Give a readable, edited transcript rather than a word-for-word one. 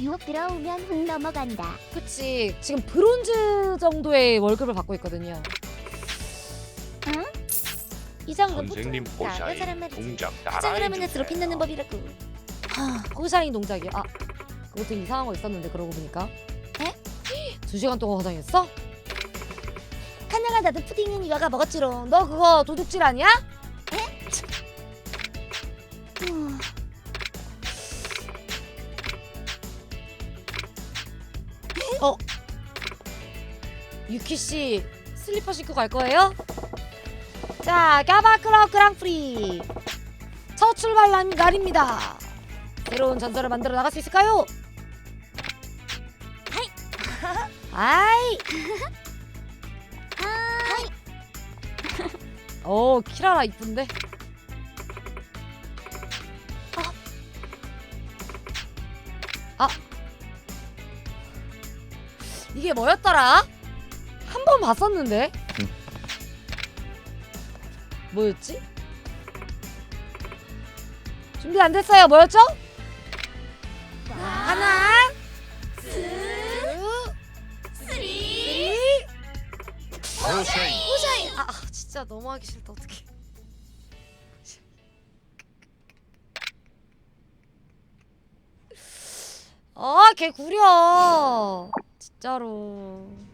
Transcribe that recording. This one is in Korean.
듀오 들어오면 훅 넘어간다. 그치, 지금 브론즈 정도의 월급을 받고 있거든요. 응? 이 정도 선생님 호샤이 동작 화장을 하면 따라해주세요. 드롭 넣는 법이라고. 호샤인 동작이요? 아, 그것도 이상한 거 있었는데 그러고 보니까. 에? 2시간 동안 화장했어? 카나가 나도 푸딩은 이와가 먹었지롱. 너 그거 도둑질 아니야? 어? 유키씨 슬리퍼 신고 갈 거예요? 자, 까바클럽 그랑프리 첫 출발 날입니다. 새로운 전설을 만들어 나갈 수 있을까요? 아이. 오, 키라라 이쁜데. 아, 이게 뭐였더라? 한 번 봤었는데. 뭐였지? 준비 안 됐어요. 뭐였죠? 하나, 둘, 쓰리. 호샤이 아, 진짜 너무 하기 싫다. 어떡해. 아, 걔 구려. 진짜로.